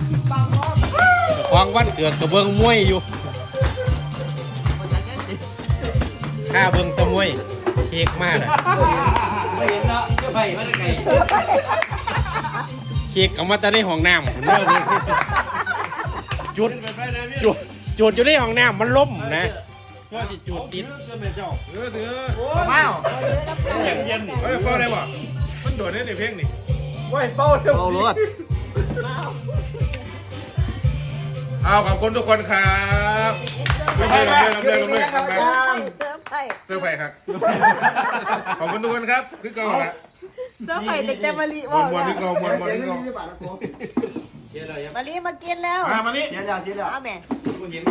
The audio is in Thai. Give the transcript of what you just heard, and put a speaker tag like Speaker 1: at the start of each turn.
Speaker 1: ควงวันเกิดกับเบิ้งมวยอยู่ข้าเบิ้งตะมวยเค้กมากเลย
Speaker 2: ไม่เห็นเนาะเจ้าไผ่มาได้ไง
Speaker 1: เค้กเอามาแต่ในห้องน้ำผมเลิกจุดอยู่ในห้องน้ำมันล้มนะก็จะจุดติด
Speaker 2: เมา
Speaker 3: เฮ้ยเป้าได้ป่ะมันโดดได้ในเพลงนี่
Speaker 2: เอารถ
Speaker 3: เอาขอบคุณทุกคนครับไม่ได้ลำเลิก
Speaker 4: เซิร์ฟไผ่
Speaker 3: เสื้อไผ่ครับขอบคุณทุกคนครับคือเก่าละ
Speaker 4: เซิร์ฟไผ่เต็มๆมาลี
Speaker 3: มวนคือเก่ามวนคือเก่า
Speaker 4: มาลีมากินแล้ว
Speaker 3: มานี่
Speaker 2: เสียแล้ว
Speaker 4: เอาแม่
Speaker 2: มึงเห็น